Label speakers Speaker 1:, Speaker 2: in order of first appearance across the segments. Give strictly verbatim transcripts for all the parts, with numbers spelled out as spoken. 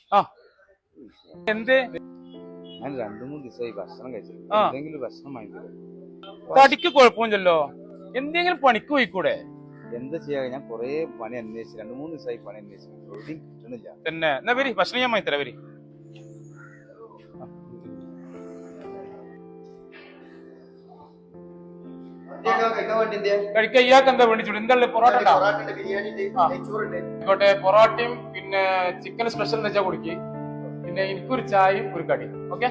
Speaker 1: ആ എന്ത്
Speaker 2: ഞാൻ രണ്ടു മൂന്ന് ദിവസമായി ഭക്ഷണം കഴിച്ചില്ല. എന്തെങ്കിലും ഭക്ഷണം വാങ്ങിത്തരും.
Speaker 1: തടിക്ക് കുഴപ്പമില്ലല്ലോ, എന്തെങ്കിലും പണിക്ക് പോയിക്കൂടെ?
Speaker 2: എന്താ ചെയ്യാ, ഞാൻ കൊറേ പണി അന്വേഷിച്ചു, രണ്ടു മൂന്ന് ദിവസമായി പണി അന്വേഷിച്ചു, എവിടെയും കിട്ടണില്ല.
Speaker 1: തന്നെ എന്നാ വരി, ഭക്ഷണം ഞാൻ വാങ്ങിത്തരാം. വരി കഴിക്കാൻ ഇയാൾക്ക് എന്താ വേണ്ടിച്ചോളൂ? എന്താ പൊറോട്ട ആയിക്കോട്ടെ, പൊറോട്ടയും പിന്നെ ചിക്കൻ സ്പെഷ്യൽ എന്ന് വെച്ചാൽ കുടിക്ക്, പിന്നെ എനിക്കൊരു ചായയും ഒരു കടി. ഓക്കെ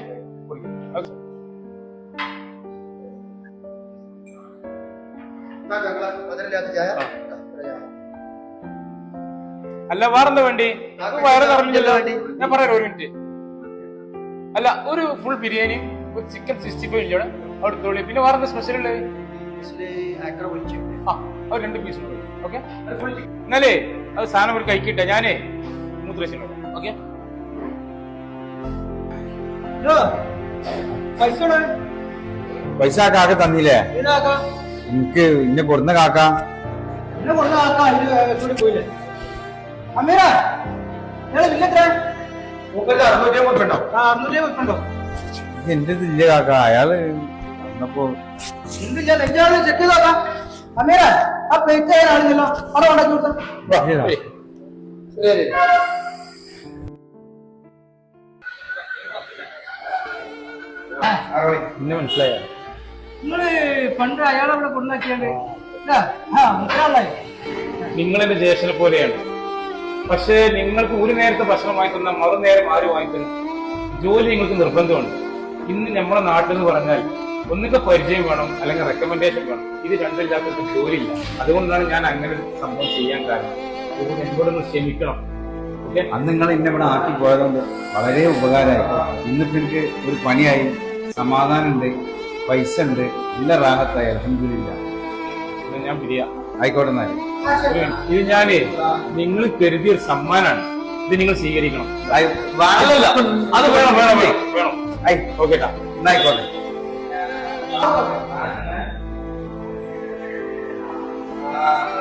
Speaker 1: അല്ല വേറെന്താ വേണ്ടി? വയറ് നിറഞ്ഞല്ലോ. ഞാൻ പറയാം ഒരു മിനിറ്റ്. അല്ല ഒരു ഫുൾ ബിരിയാണി, ഒരു ചിക്കൻ സിക്സ്റ്റി ഫൈവ് ഇല്ലേ അവിടെ തോളി, പിന്നെ വേറെന്താ സ്പെഷ്യൽ ഉള്ളത്? ആ അത് രണ്ട് പീസ് ഉണ്ട്. ഓക്കെ എന്നാലേ അത് സാധനം ഒരു കഴിക്കട്ടെ, ഞാനേ മൂത്രശം. ഓക്കെ
Speaker 2: പൈസ കാക്ക തന്നില്ലേ? എനിക്ക് ഇന്നെ കൊടുന്ന കാക്ക എന്റെ ഇല്ല കാക്ക, അയാള് വന്നപ്പോ ഇന്നെ മനസ്സിലായോ?
Speaker 3: നിങ്ങള് പണ്ട് അയാളവിടെ കൊണ്ടാക്കിയാണ്ട്
Speaker 1: നിങ്ങളെന്റെ ജ്യേഷ്ഠനെ പോലെയാണ്. പക്ഷേ നിങ്ങൾക്ക് ഒരു നേരത്തെ ഭക്ഷണം വാങ്ങിക്കുന്ന മറുനേരം ആരും വാങ്ങിക്കുന്നു. ജോലി നിങ്ങൾക്ക് നിർബന്ധമുണ്ട്. ഇന്ന് നമ്മുടെ നാട്ടിൽ എന്ന് പറഞ്ഞാൽ ഒന്നിക്കെ പരിചയം വേണം, അല്ലെങ്കിൽ റെക്കമെൻഡേഷൻ വേണം. ഇത് രണ്ടില്ലാത്തവർക്ക് ജോലിയില്ല. അതുകൊണ്ടാണ് ഞാൻ അങ്ങനെ ഒരു സംഭവം ചെയ്യാൻ കാരണം. അതുകൊണ്ട് എന്നോടൊന്ന് ക്ഷമിക്കണം. ഓക്കെ,
Speaker 2: അന്ന് നിങ്ങൾ ഇന്നെ ഇവിടെ ആക്കി പോയതുകൊണ്ട് വളരെ ഉപകാരമായി. ഇന്നിപ്പോ എനിക്ക് ഒരു പണിയായി, സമാധാനം ഉണ്ട്, പൈസ ഉണ്ട്, നല്ല റാഹത്തായി. അൽഹംദുലില്ലാ.
Speaker 1: ഞാൻ പിരിയാ.
Speaker 2: ആയിക്കോട്ടെ എന്നാല്.
Speaker 1: ഇത് ഞാനേ നിങ്ങൾ കരുതിയ ഒരു സമ്മാനാണ്. ഇത് നിങ്ങൾ സ്വീകരിക്കണം.
Speaker 2: അത് വേണം വേണം വേണം
Speaker 1: വേണം. ഓക്കേട്ടാ,
Speaker 2: എന്നായിക്കോട്ടെ.
Speaker 3: ആ